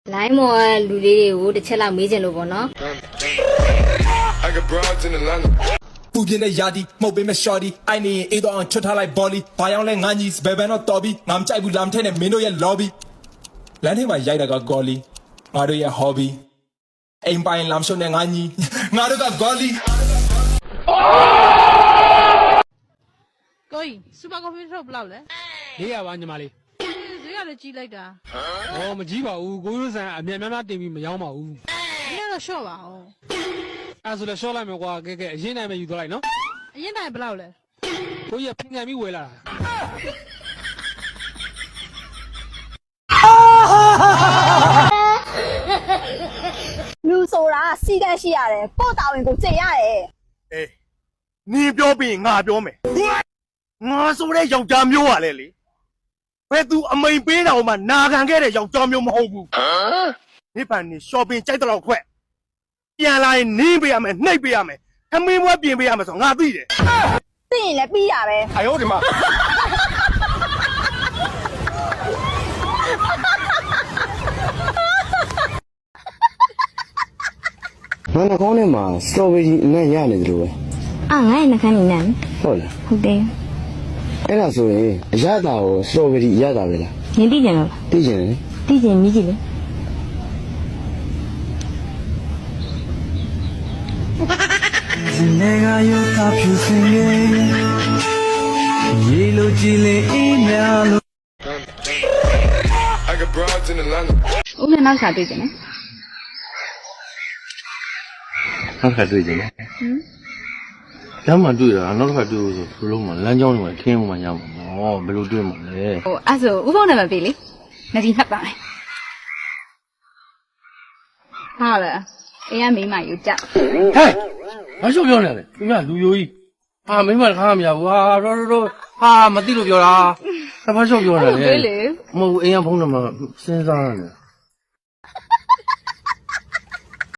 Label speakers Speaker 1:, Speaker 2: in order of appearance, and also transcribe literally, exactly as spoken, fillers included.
Speaker 1: လိုင်းမော်လူလေးတွေကိုတစ်ချက်လောက်မေးချင်လို့ပေါ့နော်
Speaker 2: ပူပြင်းတဲ့ယာဒီမှုတ်ပေးမဲ့ shorty အိုင်နေရင်အေးတော့အောင်ချွတ်ထားလိုက် volley ဘာရောက်လဲငါညီဘယ်ဘန်တော့တော်ပြီငါမကြိုက်ဘူးလာမထဲနဲ့မင်းတို့ရဲ့ lobby လမ်းထဲမှာရိုက်တာက golly ငါတို့ရဲ့ hobby အိမ်ပိုင်လမ်းရှုံးနဲ့ငါညီငါတို့က golly
Speaker 3: ကိုကြီးစူပါကော်ဖီထုတ်ဘယ်လောက်လဲ
Speaker 4: လေးရပါညီမလေး
Speaker 3: ဈေးကလည်းကြီးလိုက်တာ
Speaker 4: ဟောမကြီးပါဘူးကိုရိုးဆန်အမြတ်များများတင်ပြီးမရောပါဘူး
Speaker 3: ဒီကတော့ရှော့ပါအောင်
Speaker 4: အဲ့ဆိုလည်းရှော့လိုက်မယ်ကွာကဲကဲအရင်တိုင်းပဲယူသွားလိုက်နော်
Speaker 3: အရင်တိုင်းဘယ်လောက်လဲ
Speaker 4: ကိုကြီးကဖင်ခံပြီးဝယ်လာတာ
Speaker 5: လူဆိုတာစီကန်းရှိရတယ်ပို့တာဝင်ကိုကြင်ရတယ်
Speaker 6: အေးနင်းပြောပြီးငါပြောမယ်ငါဆိုတဲ့ယောက်ျားမျိုးပါလေလေဘယ်သူအမိန်ပေးတော်မှနာခံခဲ့တဲ့ယောက်ျားမျိုးမဟုတ်ဘူးဟမ်နိဗ္ဗာန်နေ shopping ကြိုက်တော့ခွက်ပြန်လာရင်နင်းပေးရမယ်နှိပ်ပေးရမယ်ခမင်းဘွားပြင်ပေးရမယ်ဆိုငါသိတယ်
Speaker 5: သိရင်လည်းပြီးရပဲ
Speaker 6: အယောဒီမှာ
Speaker 7: ငါနှာခေါင်းထဲမှာစတော်ဘယ်ရီအနံ့ရနေတယ်လို့ပဲ
Speaker 1: အာငါ့ရဲ့နှာခမ်းနေနမ်း
Speaker 7: ဟုတ်လား
Speaker 1: ဟုတ်တယ်
Speaker 7: အဲ့ဒါဆိုရင်အရသာကိုစတော်ဘယ်ရီအရသာပဲလား
Speaker 1: နင်သိကြလား
Speaker 7: သိကြတယ်
Speaker 1: သိကြမြည်ကြည့်လေ
Speaker 8: နေကရောတာဖြူစင်ရဲ့ရေလိုကြည်လေအေးများလို့
Speaker 1: ဦးနဲ့နောက်စားတွေ့ကြတယ်
Speaker 7: နောက်ခါတွေ့ကြတယ်ဟမ်လမ်းမှာတွေ့တာနောက်ခါတွေ့လို့ဆိုဘလုံးမှာလမ်းကြောင်းတွေမှာခင်းမှရမှာဟောဘယ်လိုတွေ့မှာလဲ
Speaker 1: ဟိုအဲ့ဆိုဦးဖုန်းနံပါတ်ပေးလေငါဒီမှတ်ပါမယ်ဟာလေအေးရမိမယူကြ
Speaker 7: ဟဲ့မရှုပ်ပြောနေတယ်သူကလူယိုကြီးဟာမိမတခါမရဘူးဟာတော့တော့ဟာမသိလို့ပြောတာတပတ်ရှုပ်ပြောနေတယ်
Speaker 1: ဟုတ်လေ
Speaker 7: မဟုတ်ဘူးအိမ်ကဖုန်းနံပါတ်စဉ်းစားရတယ်